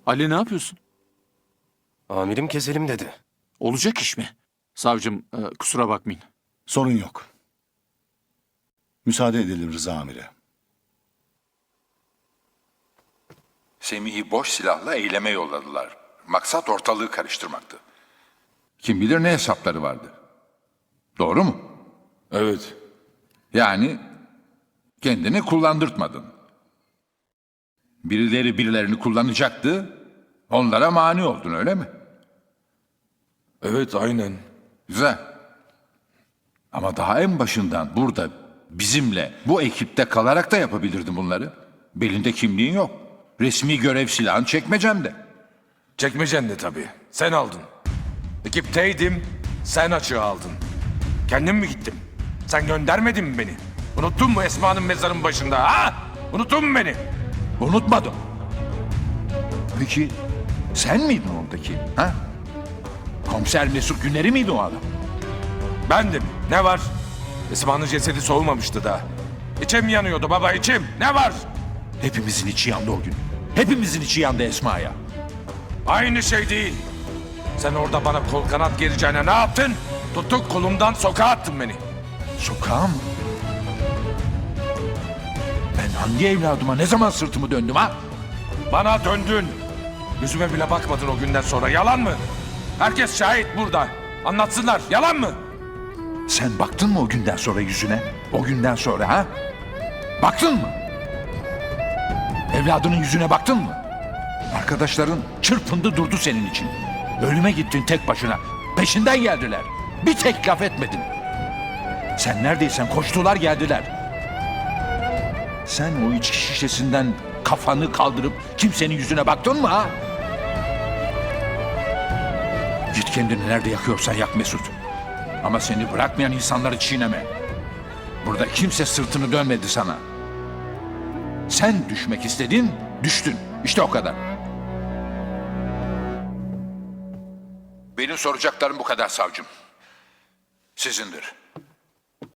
Ali ne yapıyorsun? Amirim keselim dedi. Olacak iş mi? Savcım kusura bakmayın. Sorun yok. Müsaade edelim Rıza amire. Semih'i boş silahla eyleme yolladılar. Maksat ortalığı karıştırmaktı. Kim bilir ne hesapları vardı. Doğru mu? Evet. Yani kendini kullandırtmadın. Birileri birilerini kullanacaktı, onlara mani oldun öyle mi? Evet aynen. Güzel. Ama daha en başından burada bizimle, bu ekipte kalarak da yapabilirdin bunları. Belinde kimliğin yok. Resmi görev silahın çekmecemde. Çekmecen de tabii. Sen aldın. Ekipteydim, sen açığı aldın. Kendim mi gittim? Sen göndermedin mi beni? Unuttun mu Esma'nın mezarın başında ha? Unuttun mu beni? Unutmadım. Peki sen miydin oradaki? Ha? Komiser Mesut Güner'i miydi o adam? Bendim. Ne var? Esma'nın cesedi soğumamıştı da. İçim yanıyordu baba içim. Ne var? Hepimizin içi yandı o gün. Hepimizin içi yandı Esma'ya. Aynı şey değil. Sen orada bana kol kanat gereceğine ne yaptın? Tuttun kolumdan sokağa attın beni. Sokağa mı? Ben hangi evladıma ne zaman sırtımı döndüm ha? Bana döndün. Yüzüme bile bakmadın o günden sonra. Yalan mı? Herkes şahit burada. Anlatsınlar. Yalan mı? Sen baktın mı o günden sonra yüzüne? O günden sonra ha? Baktın mı? Evladının yüzüne baktın mı? Arkadaşların çırpındı durdu senin için. Ölüme gittin tek başına. Peşinden geldiler. Bir tek laf etmedin. Sen neredeysen koştular geldiler. Sen o içki şişesinden kafanı kaldırıp kimsenin yüzüne baktın mı ha? Git kendini nerede yakıyorsan yak Mesut. Ama seni bırakmayan insanları çiğneme. Burada kimse sırtını dönmedi sana. Sen düşmek istedin, düştün. İşte o kadar. Benim soracaklarım bu kadar savcım. Sizindir.